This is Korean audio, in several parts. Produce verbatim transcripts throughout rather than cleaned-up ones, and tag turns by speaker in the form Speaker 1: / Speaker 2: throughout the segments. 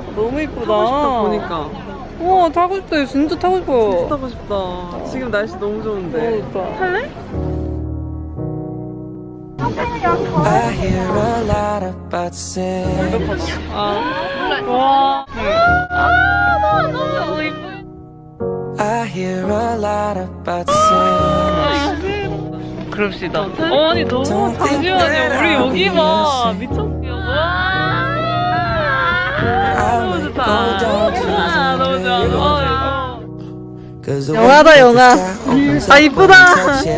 Speaker 1: 너무 이쁘다.
Speaker 2: 타고 싶다 보니까.
Speaker 1: 우와, 타고 싶다. 진짜 타고 싶어.
Speaker 2: 진짜 타고 싶다. 지금 날씨 너무 좋은데.
Speaker 1: 너무 좋다.
Speaker 2: 탈래?
Speaker 3: I hear a lot about sin.
Speaker 1: 아, 와. 아, 너무 너무 이뻐.
Speaker 3: I hear a lot about sin.
Speaker 1: 그럽시다. 어, 아니 너무 잠시만요. 우리 여기 봐. 미쳤어요. 와. 너무 좋다. 아, 너무 좋아. 어, 영화다, 영화. 아, 이쁘다.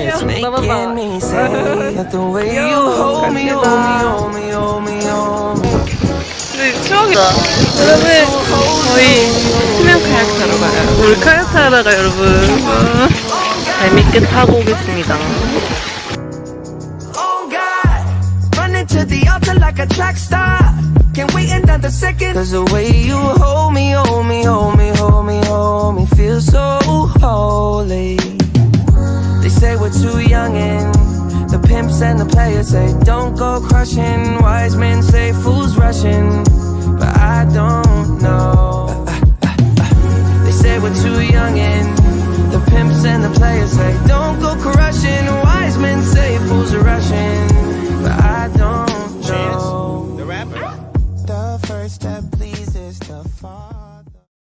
Speaker 1: 근데 추억이다. 여러분, 저희 수면 카약 타러 가요. 우리 카약 타러 가요, 여러분. 재밌게 타고 오겠습니다.
Speaker 3: To the altar like a track star. Can't wait another second. Cause the way you hold me, hold me, hold me, hold me, hold me, feels so holy. They say we're too young and the pimps and the players say don't go crushing. Wise men say fools rushing, but I don't